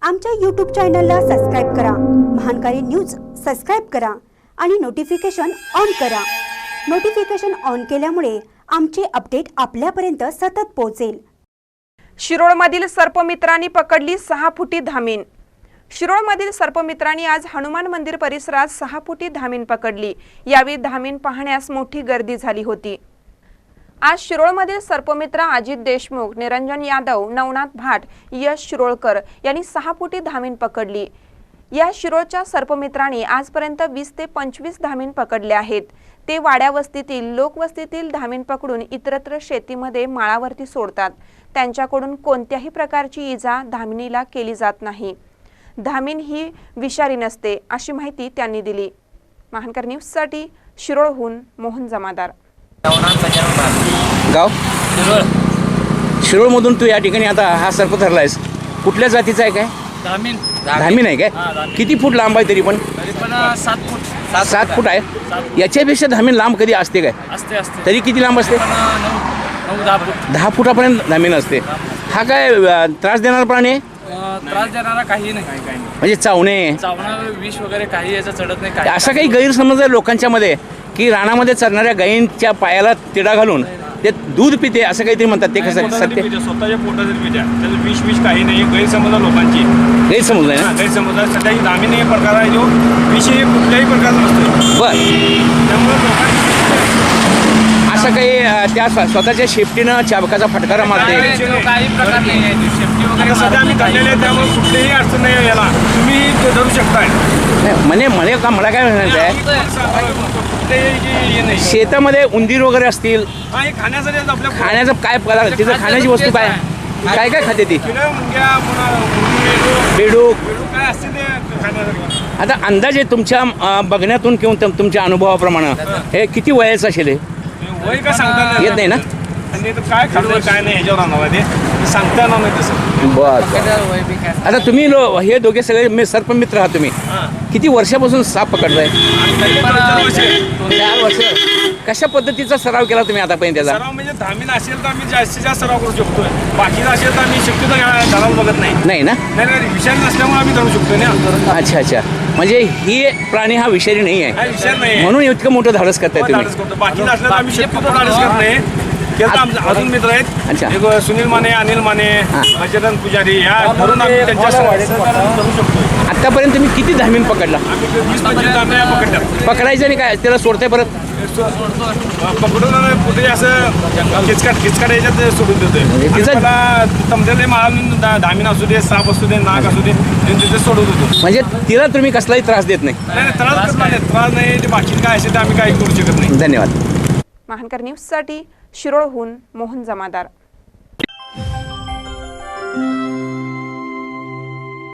आमच्या YouTube चॅनलला subscribe करा, महानकारी न्यूज सबस्क्राइब करा आणि नोटिफिकेशन ऑन करा। नोटिफिकेशन ऑन केल्यामुळे आमचे अपडेट आपल्यापर्यंत सतत पोहोचेल। शिरोळमधील सर्पमित्रांनी पकडली 6 फुटी धामीन। शिरोळमधील सर्पमित्रांनी आज हनुमान मंदिर परिसरात 6 फुटी धामीन पकडली। यावेळी धामीन पाहण्यास मोठी गर्दी झाली होती। आज शिरोळमधील सर्पमित्र अजित देशमुख, निरंजन यादव, नवनाथ भाट, यश शिरोळकर यांनी 6 फुटी धामीन पकडली। या शिरोळच्या सर्पमित्रांनी आजपर्यंत 20 ते 25 धामीन पकडले आहेत। ते वाड्या वस्तीतील, लोकवस्तीतील धामीन पकडून इतरत्र शेतीमध्ये माळावरती सोडतात। त्यांच्याकडून कोणत्याही प्रकारची इजा धामिनीला केली जात नाही। धामीन ही विषारी नसते अशी माहिती त्यांनी दिली। महानकर न्यूजसाठी शिरोळहून मोहन जमादार। गाव शिरोळमधून तू या ठिकाणी आता हा सर्प धरलायस, कुठल्या जातीचा आहे? काय धामीन धामीन आहे काय? किती फूट लांब आहे? तरी पण 7 फूट 7 फूट आहे। याच्यापेक्षा धामीन लांब कधी असते काय? असते तरी किती लांब असते? 9-10 फूट 10 फुटापर्यंत धामीन असते। हा काय त्रास देणारा प्राणी आहे? त्रास देणारा काही नाही, म्हणजे चावणे, विष वगैरे काही याचा चढत नाही। असा काही गैरसमज आहे लोकांच्या मध्ये की रानामध्ये चरणाऱ्या गायींच्या पायाला तिडा घालून ते दूध पिते असं काहीतरी म्हणतात। ते कसं सत्य? स्वतःच्या पोटातील पित्या त्याचं विष काही नाही, गैरसमज लोकांची गैरसमज आहे ना? गैरसमज सध्या ही धामीन एक प्रकार आहे जो विष हे कुठल्याही प्रकारचा नसतो। बरं, त्यामुळे लोकांची असं काही त्या स्वतःच्या शेपटीनं चाबकाचा फटकारा मारते? काही प्रकार नाही आहे, शेपटी वगैरे सध्या आम्ही धरलेले आहे, त्यामुळे कुठलीही अडचण नाही याला, तुम्ही ते धरू शकताय। मला काय म्हणायचं आहे, शेतामध्ये उंदीर वगैरे असतील, खाण्यासाठी आपल्या खाण्याचं काय पदार्थ, तिथं खाण्याची वस्तू काय काय काय खाते ती? बेडूक काय असते ते खाण्यासाठी। आता अंदाजे तुमच्या बघण्यातून किंवा तुमच्या अनुभवाप्रमाणे हे किती वयाचं असेल? हे वय काय सांगता येत नाही ना? आणि काय खाल्लं काय नाही ह्याच्यावर आणणार ते सांगता येणार नाही तसं। बरं, आता तुम्ही हे दोघे सगळे सर्पमित्र आहात, तुम्ही किती वर्षापासून साप पकडताय? 4 वर्ष। कशा पद्धतीचा सराव केला तुम्ही आतापर्यंत त्याचा? सराव म्हणजे धामीन असेल तर आम्ही जास्तीत जास्त सराव करू शकतोय, बाकीचा असेल तर आम्ही शक्यतो धरायला बघत नाही ना? नाही, विषारी नसल्यामुळे आम्ही धरू शकतो ना। अच्छा, म्हणजे ही प्राणी हा विषारी नाही आहे, विषय नाही म्हणून इतकं मोठं धाडस करताय तुम्ही? बाकीचा असलं तर आम्ही शक्यतो धाडस करत नाही। अजून मित्र आहेत, एक सुनील माने, अनिल माने, बजरंग पुजारी, या धरून आम्ही त्यांच्या धरू शकतो। आतापर्यंत तुम्ही किती धामीन पकडला? आम्ही 20-25 धाम्या पकडल्या। पकडायचं आणि काय त्याला सोडताय परत? पकडून कुठे असं खिचकाट याच्यात सोडून देतोय। त्याला तमलेले माळून धामीन असू दे, साप असू दे, नाग असू दे, तिथे सोडत होतो। म्हणजे तिला तुम्ही कसलाही त्रास देत नाही? नाही, त्रास नाही, ते बाकी काय असेल तर आम्ही काही करू शकत नाही। धन्यवाद। महानकर न्यूजसाठी शिरोळहून मोहन जमादार।